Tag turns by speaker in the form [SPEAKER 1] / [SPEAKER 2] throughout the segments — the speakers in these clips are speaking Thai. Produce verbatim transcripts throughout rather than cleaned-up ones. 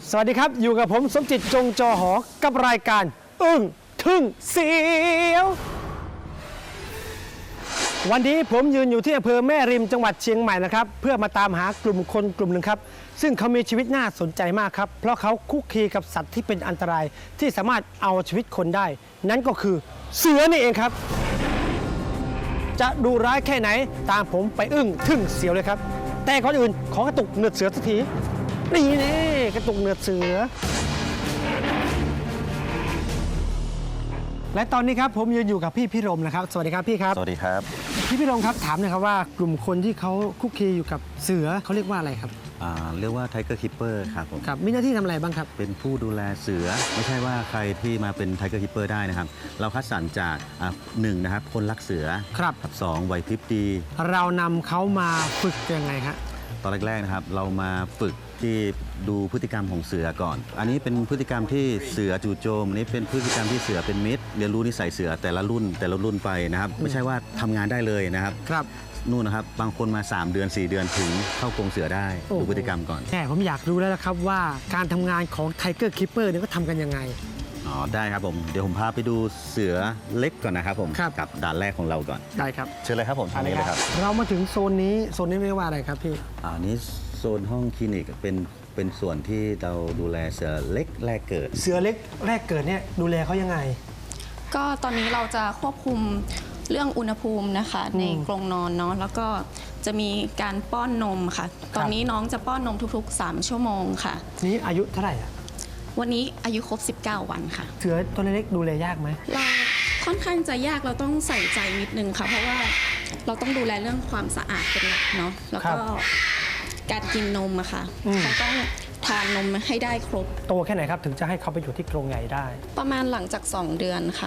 [SPEAKER 1] สวัสดีครับอยู่กับผมสมจิตจงจอหอกับรายการอึ้งทึ่งเสียววันนี้ผมยืนอยู่ที่อำเภอแม่ริมจังหวัดเชียงใหม่นะครับเพื่อมาตามหากลุ่มคนกลุ่มหนึ่งครับซึ่งเขามีชีวิตน่าสนใจมากครับเพราะเขาคุกคีกับสัตว์ที่เป็นอันตรายที่สามารถเอาชีวิตคนได้ นั่นก็คือเสือนี่เองครับจะดูร้ายแค่ไหนตามผมไปอึ้งทึ่งเสียวเลยครับแต่ก่อนอื่นขอกระตุกเนือดเสือสักทีนี่นี่กระตุกเนือดเสือและตอนนี้ครับผมยืนอยู่กับพี่พิรมนะครับสวัสดีครับพี่ครับ
[SPEAKER 2] สวัสดีครับ
[SPEAKER 1] พี่พิรมครับถามหน่อยครับว่ากลุ่มคนที่เขาคุกคีอยู่กับเสือเขาเรียกว่าอะไรครับ
[SPEAKER 2] อ่าเรียกว่าไทเกอร์คิปเปอร์ครับผม
[SPEAKER 1] ครับมีหน้าที่ทำอะไรบ้างครับ
[SPEAKER 2] เป็นผู้ดูแลเสือไม่ใช่ว่าใครที่มาเป็นไทเกอร์คิปเปอร์ได้นะครับเราคัดสรรจากอ่าหนึ่งนะครับคนรักเสือ
[SPEAKER 1] ครับ
[SPEAKER 2] กับสองไหวพริบดี
[SPEAKER 1] เรานำเขามาฝึกยังไงครับ
[SPEAKER 2] ตอนแรกๆนะครับเรามาฝึกที่ดูพฤติกรรมของเสือก่อนอันนี้เป็นพฤติกรรมที่เสือจู่โจมอันนี้เป็นพฤติกรรมที่เสือเป็นมิตรเรียนรู้นิสัยเสือแต่ละรุ่นแต่ละรุ่นไปนะครับไม่ใช่ว่าทำงานได้เลยนะครับ
[SPEAKER 1] ครับ
[SPEAKER 2] นู่นนะครับบางคนมาสามเดือนสี่เดือนถึงเข้ากรงเสือได้ดูพฤติกรรมก่อน
[SPEAKER 1] แต่ผมอยากรู้แล้วนะครับว่าการทำงานของไทเกอร์คิปเปอร์เนี่ยก็ทำกันยังไง
[SPEAKER 2] อ๋อได้ครับผมเดี๋ยวผมพาไปดูเสือเล็กก่อนนะครับผมกับด่านแรกของเราก่อน
[SPEAKER 1] ได้ครับ
[SPEAKER 2] เชิญเลยครับผมทางนี้เลยครับ
[SPEAKER 1] เรามาถึงโซนนี้โซนนี้เรียกว่าอะไรครับพี่
[SPEAKER 2] อันนี้โซนห้องคลินิกเป็นเป็นส่วนที่เราดูแลเสือเล็กแรกเกิด
[SPEAKER 1] เสือเล็กแรกเกิดเนี่ยดูแลเขายังไง
[SPEAKER 3] ก็ตอนนี้เราจะควบคุมเรื่องอุณหภูมินะคะในกรงนอนเนาะแล้วก็จะมีการป้อนนมค่ะตอนนี้น้องจะป้อนนมทุกๆสามชั่วโมงค่ะ
[SPEAKER 1] นี่อายุเท่าไหร่อ่ะ
[SPEAKER 3] วันนี้อายุครบสิบเก้าวันค่ะ
[SPEAKER 1] เสือตัวเล็กดูแลยากไหม
[SPEAKER 3] เราค่อนข้างจะยากเราต้องใส่ใจนิดนึงค่ะเพราะว่าเราต้องดูแลเรื่องความสะอาดเป็นหลักเนาะแล้วก็การกินนมอะค่ะเขาต้องทานนมให้ได้ครบ
[SPEAKER 1] โตแค่ไหนครับถึงจะให้เขาไปอยู่ที่กรงใหญ่ได้
[SPEAKER 3] ประมาณหลังจากสองเดือนค่ะ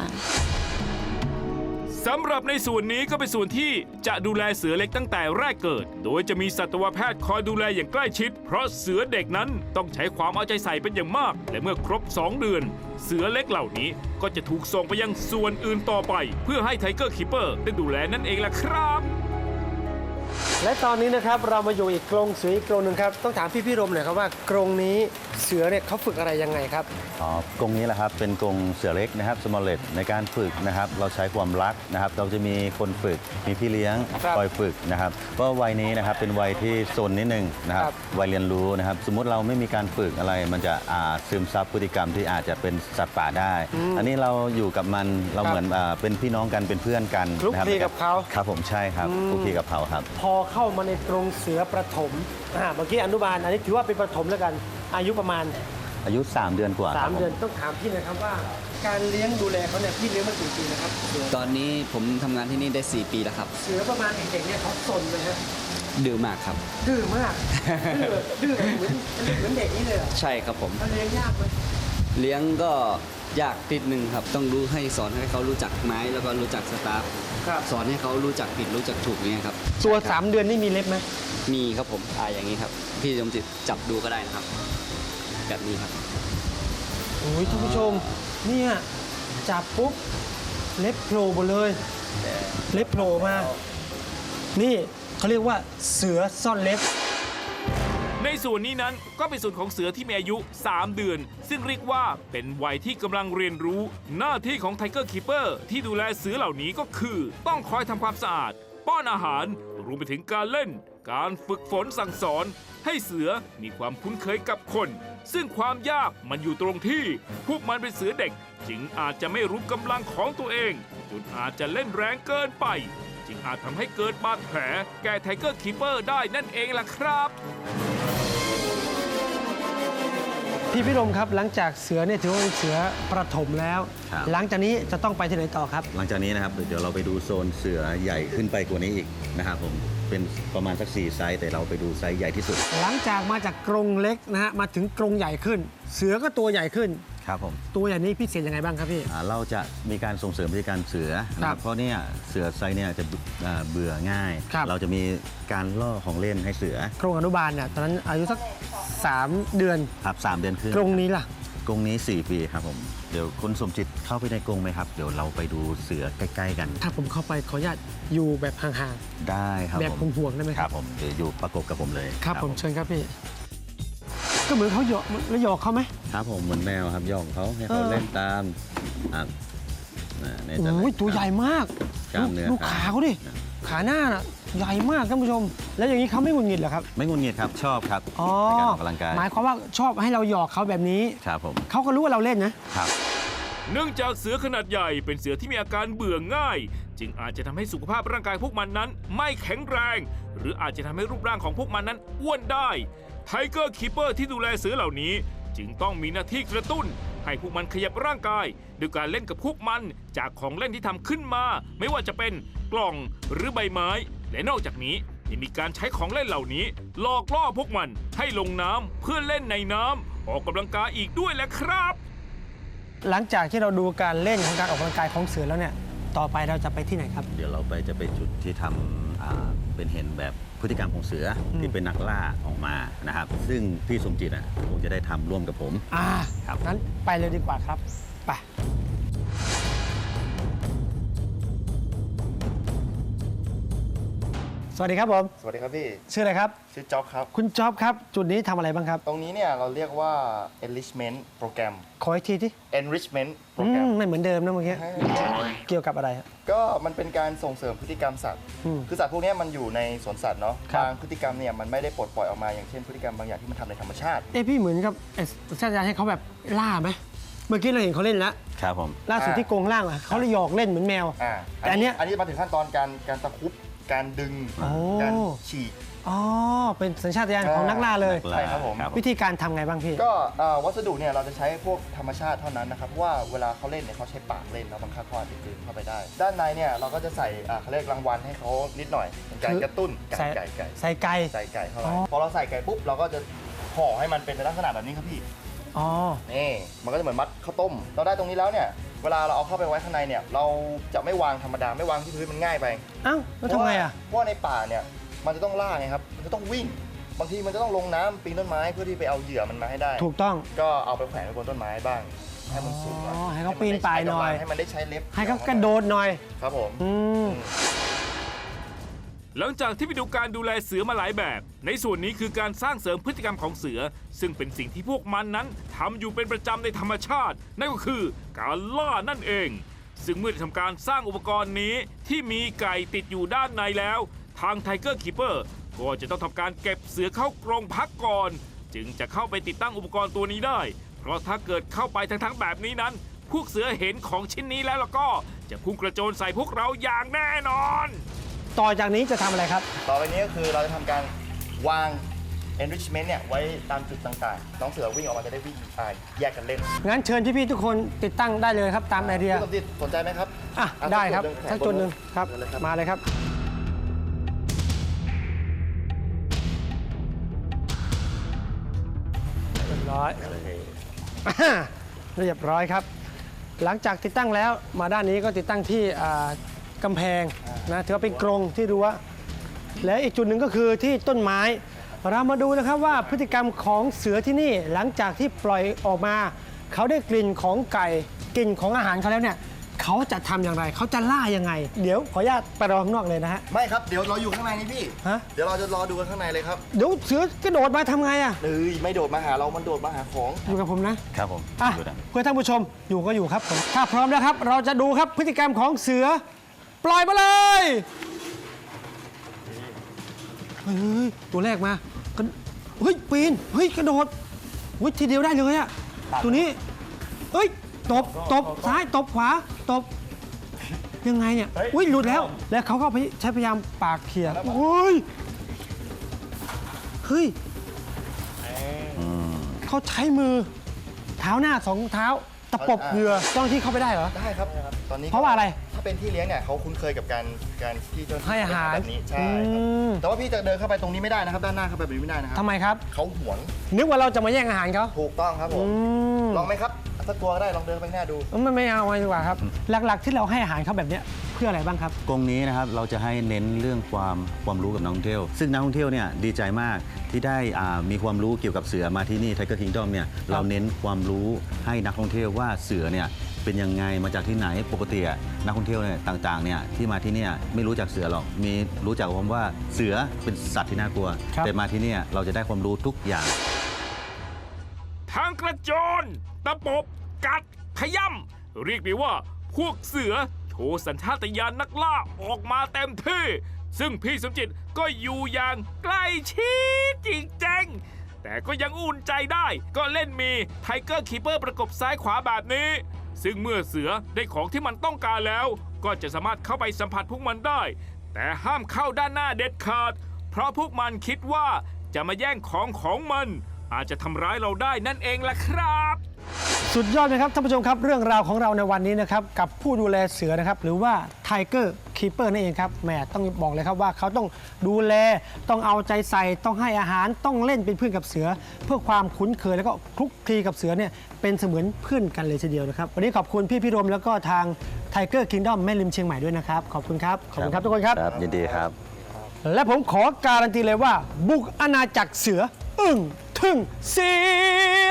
[SPEAKER 4] สำหรับในส่วนนี้ก็เป็นส่วนที่จะดูแลเสือเล็กตั้งแต่แรกเกิดโดยจะมีสัตวแพทย์คอยดูแลอย่างใกล้ชิดเพราะเสือเด็กนั้นต้องใช้ความเอาใจใส่เป็นอย่างมากและเมื่อครบสองเดือนเสือเล็กเหล่านี้ก็จะถูกส่งไปยังส่วนอื่นต่อไปเพื่อให้ไทเกอร์คิปเปอร์ได้ดูแลนั่นเองล่ะครับ
[SPEAKER 1] และตอนนี้นะครับเรามาอยู่อีกกรงเสืออีกกรงหนึ่งครับต้องถามพี่พี่รมหน่อยครับว่ากรงนี้เสือเนี่ยเขาฝึกอะไรยังไงครับ
[SPEAKER 2] อ๋อกรงนี้แหละครับเป็นกรงเสือเล็กนะครับ small let ในการฝึกนะครับเราใช้ความรักนะครับเราจะมีคนฝึกมีพี่เลี้ยงคอยฝึกนะครับเพราะวัยนี้นะครับเป็นวัยที่โซนนิดนึงนะครับวัยเรียนรู้นะครับสมมุติเราไม่มีการฝึกอะไรมันจะอาจซึมซับพฤติกรรมที่อาจจะเป็นสัตว์ป่าได้อันนี้เราอยู่กับมันเราเหมือนเป็นพี่น้องกันเป็นเพื่อนกัน
[SPEAKER 1] คลุกคลีกับเขา
[SPEAKER 2] ครับผมใช่ครับคลุกคลีกับเขาครับ
[SPEAKER 1] พอเข้ามาในกรงเสือประถมอ่าเมื่อกี้อนุบาลอันนี้ถือว่าเป็นประถมแล้วกันอายุประมาณ
[SPEAKER 2] อายุสามเดือนกว่า
[SPEAKER 1] สามเดือนต้องถามพี่นะครับว่าการเลี้ยงดูแลเขาเนี่ยพี่เลี้ยงมากี่ปีนะครับ
[SPEAKER 5] ตอนนี้ผมทำงานที่นี่ได้สี่ปีแล้วครับ
[SPEAKER 1] เสือประมาณเด็กๆเนี่ยเขาซนเลยฮะ
[SPEAKER 5] ดื้อมากครับ
[SPEAKER 1] ดื้อมากดื้อดื้อเหมือนเหมือนเด็กนี่เลย
[SPEAKER 5] ใช่ครับผม
[SPEAKER 1] เลี้ยงยากไหม
[SPEAKER 5] เลี้ยงก็ยากติดหนึ่งครับต้องรู้ให้สอนให้เขารู้จักไม้แล้วก็รู้จักสตาฟสอนให้เขารู้จักผิดรู้จักถูกเนี่ยครับ
[SPEAKER 1] ตัวสามเดือนนี่มีเล็บไหม
[SPEAKER 5] มีครับผมอ่าอย่างนี้ครับพี่สมจิตจับดูก็ได้นะครับแบบนี้ครับ
[SPEAKER 1] โอ้ยท่านผู้ชมเนี่ยจับปุ๊บเล็บโผล่หมดเลยเล็บโผล่มานี่เขาเรียกว่าเสือซ่อนเล็บ
[SPEAKER 4] ในส่วนนี้นั้นก็เป็นส่วนของเสือที่มีอายุสามเดือนซึ่งเรียกว่าเป็นวัยที่กำลังเรียนรู้หน้าที่ของไทเกอร์คีเปอร์ที่ดูแลเสือเหล่านี้ก็คือต้องคอยทำความสะอาดป้อนอาหารรวมไปถึงการเล่นการฝึกฝนสั่งสอนให้เสือมีความคุ้นเคยกับคนซึ่งความยากมันอยู่ตรงที่พวกมันเป็นเสือเด็กจึงอาจจะไม่รู้กำลังของตัวเองจนอาจจะเล่นแรงเกินไปจึงอาจทำให้เกิดบาดแผลแก่ไทเกอร์คีเปอร์ได้นั่นเองล่ะครับ
[SPEAKER 1] พี่พิรมครับหลังจากเสือเนี่ยถือว่าเป็นเสือประถมแล้วหลังจากนี้จะต้องไปที่ไหนต่อครับ
[SPEAKER 2] หลังจากนี้นะครับเดี๋ยวเราไปดูโซนเสือใหญ่ขึ้นไปกว่านี้อีกนะครับผมเป็นประมาณสักสี่ไซส์แต่เราไปดูไซส์ใหญ่ที่สุด
[SPEAKER 1] หลังจากมาจากกรงเล็กนะฮะมาถึงกรงใหญ่ขึ้นเสือก็ตัวใหญ่ขึ้น
[SPEAKER 2] ครับผม
[SPEAKER 1] ตัวใหญ่นี้พิเศษยังไงบ้างครับพี่
[SPEAKER 2] เราจะมีการส่งเสริมพฤติกรรมเสือเพราะเนี่ยเสือไซส์เนี่ยจะเบื่อง่ายเราจะมีการล่อของเล่นให้เสือก
[SPEAKER 1] รงอนุบาลเนี่ยตอนนั้นอายุสักสามเดือน
[SPEAKER 2] ครับสามเดือนขึ้น
[SPEAKER 1] กรงนี้ล่ะ
[SPEAKER 2] กรงนี้สี่ปีครับผมเดี๋ยวคุณสมจิตเข้าไปในกรงไหมครับเดี๋ยวเราไปดูเสือใกล้ๆกัน
[SPEAKER 1] ถ้าผมเข้าไปขออนุญาตอยู่แบบห่าง
[SPEAKER 2] ๆได้ครับ
[SPEAKER 1] แบบห่วงๆได้ไหม
[SPEAKER 2] ครับผมเดี๋ยวอยู่ประกบกับผมเลย
[SPEAKER 1] ครับผมเชิญครับพี่ก็เหมือนเขาหยอกแล้วหยอกเขาไหม
[SPEAKER 2] ครับผมเหมือนแมวครับย่องเขาให้เขา
[SPEAKER 1] เออ
[SPEAKER 2] เล่นตามอ่ะอ่ะในแต่ละ
[SPEAKER 1] โอ้ยตัวใหญ่มาก
[SPEAKER 2] กล้ามเนื้อ
[SPEAKER 1] ดูขาเขาดิ
[SPEAKER 2] ครับ
[SPEAKER 1] ขาหน้าน่ะใหญ่มากท่านผู้ชม แล้วอย่างนี้เขาไม่หงุดหงิดเหรอครับ
[SPEAKER 2] ไม่งุนงิดครับชอบครับ
[SPEAKER 1] อ๋อ
[SPEAKER 2] ในการออกกำลังกาย
[SPEAKER 1] หมายความว่าชอบให้เราหยอกเขาแบบนี้
[SPEAKER 2] ครับผม
[SPEAKER 1] เขาก็รู้ว่าเราเล่นนะ
[SPEAKER 2] ครับ
[SPEAKER 4] เนื่องจากเสือขนาดใหญ่เป็นเสือที่มีอาการเบื่อง่าย จึงอาจจะทำให้สุขภาพร่างกายพวกมันนั้นไม่แข็งแรง หรืออาจจะทำให้รูปร่างของพวกมันนั้นอ้วนได้ไทเกอร์คีเปอร์ที่ดูแลเสือเหล่านี้ จึงต้องมีหน้าที่กระตุ้น ให้พวกมันขยับร่างกายด้วยการเล่นกับพวกมันจากของเล่นที่ทำขึ้นมา ไม่ว่าจะเป็นกล่องหรือใบไม้ และนอกจากนี้ยังมีการใช้ของเล่นเหล่านี้หลอกล่อพวกมันให้ลงน้ำเพื่อเล่นในน้ำออกกำลังกายอีกด้วยแหละครับ
[SPEAKER 1] หลังจากที่เราดูการเล่นของการออกกำลังกายของเสือแล้วเนี่ย ต่อไปเราจะไปที่ไหนครับ
[SPEAKER 2] เดี๋ยวเราไปจะไปจุดที่ทำอ่าเป็นเห็นแบบพฤติกรรมของเสืออ
[SPEAKER 1] ม
[SPEAKER 2] ที่เป็นนักล่าออกมานะครับ ซึ่งพี่สมจิตอ่ะคงจะได้ทำร่วมกับผม
[SPEAKER 1] อ่า
[SPEAKER 2] ครับ
[SPEAKER 1] งั้นไปเลยดีกว่าครับ ไป สวัสดีครับผม
[SPEAKER 6] สวัสดีครับพี่
[SPEAKER 1] ชื่ออะไรครับ
[SPEAKER 6] ชื่อจ๊อบครับ
[SPEAKER 1] คุณจ๊อบครับ จุดนี้ทำอะไรบ้างครับ
[SPEAKER 6] ตรงนี้เนี่ยเราเรียกว่า enrichment โปรแกรม
[SPEAKER 1] ขออีกทีที่
[SPEAKER 6] enrichment โปร
[SPEAKER 1] อื
[SPEAKER 6] แกรม
[SPEAKER 1] มไม่เหมือนเดิมนะเมื่อกี้ เกี่ยวกับอะไรครับ
[SPEAKER 6] ก็มันเป็นการส่งเสริมพฤติกรรมสัตว์
[SPEAKER 1] อืม
[SPEAKER 6] คือสัตว์พวกเนี้ยมันอยู่ในสวนสัตว์เนาะ
[SPEAKER 1] ครับ
[SPEAKER 6] บางพฤติกรรมเนี่ยมันไม่ได้ปลดปล่อยออกมาอย่างเช่นพฤติกรรมบางอย่างที่มันทำในธรรมชาติ
[SPEAKER 1] เอ้พี่เหมือนกับเอสชาติยาให้เขาแบบล่าไหม เมื่อกี้เราเห็นเขาเล่นแล้ว
[SPEAKER 2] ครับผม
[SPEAKER 1] ล่าสุด
[SPEAKER 6] อ่า
[SPEAKER 1] ที่กรงล่างอะเขาเลยหยอกเล่นเหมือนแมว
[SPEAKER 6] อ่า
[SPEAKER 1] แต่อันเนี้ย
[SPEAKER 6] อันนี้มาถึงขั้นตอนการการตะครุบการดึง
[SPEAKER 1] โอ้
[SPEAKER 6] การฉีก
[SPEAKER 1] อ๋อ เป็นสัญชาตญาณของนักล่าเลย
[SPEAKER 2] นักล่า
[SPEAKER 6] ใช่ครับผม
[SPEAKER 1] วิธีการทำไงบ้างพี่
[SPEAKER 6] ก็เอ่อวัสดุเนี่ยเราจะใช้พวกธรรมชาติเท่านั้นนะครับเพราะว่าเวลาเขาเล่นเนี่ยเขาใช้ปากเล่นแล้วบังคับเขาอาจจะกลืนเข้าไปได้ ด้านในเนี่ยเราก็จะใส่อ่าเขาเรียกรางวัลให้เขานิดหน่อยเป็นการ
[SPEAKER 1] คือ
[SPEAKER 6] กระตุ้นไก่
[SPEAKER 1] ใส่
[SPEAKER 6] ไก่ไก่
[SPEAKER 1] ใส่ไก่
[SPEAKER 6] ใส่ไก่เข้าไป
[SPEAKER 1] อ๋อ
[SPEAKER 6] พอเราใส่ไก่ปุ๊บเราก็จะห่อให้มันเป็นในลักษณะแบบนี้ครับพี่
[SPEAKER 1] อ๋อ
[SPEAKER 6] นี่มันก็จะเหมือนมัดข้าวต้ม เราได้ตรงนี้แล้วเนี่ยเวลาเราเอาเข้าไปไว้ข้างในเนี่ยเราจะไม่วางธรรมดาไม่วางที่พื้นมันง่ายไป
[SPEAKER 1] เอ้าแล้วทำไงอ่ะ
[SPEAKER 6] เพราะว่าในป่าเนี่ยมันจะต้องล่าไงครับมันจะต้องวิ่ง บางทีมันจะต้องลงน้ำปีนต้นไม้เพื่อที่ไปเอาเหยื่อมันมาให้ได้
[SPEAKER 1] ถูกต้อง
[SPEAKER 6] ก็เอาไปแขวนไว้บนต้นไม้บ้าง ให้มันสูงหน่อย
[SPEAKER 1] อ๋อให้เขาปีนป่ายหน่อย
[SPEAKER 6] ให้มันได้ใช้เล็บ
[SPEAKER 1] ให้เขากระโดดหน่อย
[SPEAKER 6] ครับผม
[SPEAKER 1] อืม
[SPEAKER 4] หลังจากที่ไปดูการดูแลเสือมาหลายแบบ ในส่วนนี้คือการสร้างเสริมพฤติกรรมของเสือ ซึ่งเป็นสิ่งที่พวกมันนั้นทำอยู่เป็นประจำในธรรมชาติ นั่นก็คือการล่านั่นเอง ซึ่งเมื่อได้ทำการสร้างอุปกรณ์นี้ที่มีไก่ติดอยู่ด้านในแล้ว ทาง Tiger Keeper ก็จะต้องทำการเก็บเสือเข้ากรงพักก่อน จึงจะเข้าไปติดตั้งอุปกรณ์ตัวนี้ได้ เพราะถ้าเกิดเข้าไปทั้งๆแบบนี้นั้น พวกเสือเห็นของชิ้นนี้แล้วแล้วก็จะพุ่งกระโจนใส่พวกเราอย่างแน่นอน
[SPEAKER 1] ต่อจากนี้จะทำอะไรครับ
[SPEAKER 6] ต่อไปนี้ก็คือเราจะทำการวาง enrichment เนี่ยไว้ตามจุดต่างๆ น้องเสือวิ่งออกมาจะได้วิ่งอ่าแยกกันเล่น
[SPEAKER 1] งั้นเชิญพี่ๆทุกคนติดตั้งได้เลยครับตามไอเดีย
[SPEAKER 6] พี่สมจิตสนใจไหมครับ
[SPEAKER 1] อ่ะ
[SPEAKER 6] อ่ะ
[SPEAKER 1] ได้ครับ
[SPEAKER 6] สั
[SPEAKER 1] ทั้
[SPEAKER 6] ก
[SPEAKER 1] ง
[SPEAKER 6] จุ
[SPEAKER 1] จุ
[SPEAKER 6] ด
[SPEAKER 1] ด
[SPEAKER 6] ห
[SPEAKER 1] ห
[SPEAKER 6] นึ่
[SPEAKER 1] นึ่
[SPEAKER 6] ง
[SPEAKER 1] งครับ
[SPEAKER 6] เชิญเลยครับ
[SPEAKER 1] มาเลยครับ เรียบร้อย เรียบร้อยครับ หลังจากติดตั้งแล้วมาด้านนี้ก็ติดตั้งที่อ่ากำแพงนะถือว่าเป็นกรงที่รั้วและอีกจุดหนึ่งก็คือที่ต้นไม้ เรามาดูนะครับว่าพฤติกรรมของเสือที่นี่หลังจากที่ปล่อยออกมา เขาได้กลิ่นของไก่กลิ่นของอาหารเขาแล้วเนี่ยเขาจะทำอย่างไร เขาจะล่ายังไง เดี๋ยวขออนุญาตไปรอข้างนอกเลยนะฮะ
[SPEAKER 6] ไม่ครับ เดี๋ยวเราอยู่ข้างในนี่พี่
[SPEAKER 1] ฮะ
[SPEAKER 6] เดี๋ยวเราจะรอดูกันข้างในเลยครับ
[SPEAKER 1] เดี๋ยวเสือกระโดดมาทำไงอะ
[SPEAKER 6] เอ้ยไม่โดดมาหาเรา มันโดดมาหาของ
[SPEAKER 1] อยู่กับผมนะ
[SPEAKER 2] ครับผม
[SPEAKER 1] อ่ะ
[SPEAKER 2] ดูนะ
[SPEAKER 1] เพื่อท่านผู้ชมอยู่ก็อยู่ครับผมถ้าพร้อมแล้วครับ เราจะดูครับพฤติกรรมของเสือ ปล่อยมาเลยเฮ้ยตัวแรกมากระเฮ้ยปีนเฮ้ยกระโดดเฮ้ยทีเดียวได้เลยอะตัวนี้เฮ้ยตบตบซ้ายตบขวาตบยังไงเนี่ยอุ้ยหลุดแล้ว แล้วเขาก็ใช้พยายามปากเขี่ยเฮ้ยเฮ้ย เขาใช้มือเท้าหน้าสองเท้าตะปบเหงื่อเจ้าหน้าที่เข้าไปได้เหรอ
[SPEAKER 6] ได้ครับ ตอนนี้
[SPEAKER 1] เพราะว่าอะไร
[SPEAKER 6] ถ้าเป็นที่เลี้ยงเนี่ยเขาคุ้นเคยกับการการที่เจ้าน้ที่
[SPEAKER 1] ให้อาหาร
[SPEAKER 6] แบบนี้ใช่ครับ
[SPEAKER 1] อืม
[SPEAKER 6] แต่ว่าพี่จะเดินเข้าไปตรงนี้ไม่ได้นะครับ ด้านหน้าเข้าไปแบบนี้ไม่ได้นะครั
[SPEAKER 1] ทำไมครับ
[SPEAKER 6] เขาหวง
[SPEAKER 1] นึกว่าเราจะมาแย่งอาหารเขา
[SPEAKER 6] ถูกต้องครับผม
[SPEAKER 1] อืม
[SPEAKER 6] ลองไหมครับสักตัวก็ได้ ลองเดินไปข้างหน้าดู
[SPEAKER 1] ไม่ไม่เอาไว้ดีกว่าครับ หลักๆที่เราให้อาหารเขาแบบเนี้ยเพื่ออะไรบ้างครับ
[SPEAKER 2] กรงนี้นะครับเราจะให้เน้นเรื่องความความรู้กับนักท่องเที่ยว ซึ่งนักท่องเที่ยวเนี่ยดีใจมากที่ได้อ่ามีความรู้เกี่ยวกับเสือมาที่นี่ Tiger Kingdom เนี่ยเราเน้นความรู้ให้นักท่องเที่ยวว่าเสือเนี่ยเป็นยังไงมาจากที่ไหนปกติอะนักท่องเที่ยวเนี่ยต่างๆเนี่ยที่มาที่เนี่ยไม่รู้จักเสือหรอกมีรู้จักคำว่าเสือเป็นสัตว์ที่น่ากลัว
[SPEAKER 1] ครับ
[SPEAKER 2] แต่มาที่เนี่ยเราจะได้ความรู้ทุกอย่าง
[SPEAKER 4] ทั้งกระโจนตะปบกัดขย่ำเรียกได้ว่าพวกเสือโชว์สัญชาตญาณนักล่าออกมาเต็มที่ซึ่งพี่สมจิตก็อยู่อย่างใกล้ชิดจริงๆแต่ก็ยังอุ่นใจได้ก็เล่นมีไทเกอร์คีเปอร์ประกบซ้ายขวาแบบนี้ซึ่งเมื่อเสือได้ของที่มันต้องการแล้วก็จะสามารถเข้าไปสัมผัสพวกมันได้แต่ห้ามเข้าด้านหน้าเด็ดขาดเพราะพวกมันคิดว่าจะมาแย่งของของมันอาจจะทำร้ายเราได้นั่นเองล่ะครับ
[SPEAKER 1] สุดยอดนะครับท่านผู้ชมครับเรื่องราวของเราในวันนี้นะครับกับผู้ดูแลเสือนะครับหรือว่าไทเกอร์คีเปอร์นั่นเองครับแหมต้องบอกเลยครับว่าเขาต้องดูแลต้องเอาใจใส่ต้องให้อาหารต้องเล่นเป็นเพื่อนกับเสือ เพื่อความคุ้นเคยแล้วก็คลุกคลีกับเสือเนี่ยเป็นเสมือนเพื่อนกันเลยทีเดียวนะครับวันนี้ขอบคุณพี่พิรมแล้วก็ทางไทเกอร์คิงดอมแม่ริมเชียงใหม่ด้วยนะครับขอบคุณครับขอบคุณครับทุกคนครับ
[SPEAKER 2] ครับยินดีครับ
[SPEAKER 1] และผมขอการันตีเลยว่าบุกอาณาจักรเสืออึ้งทึ่งเสีย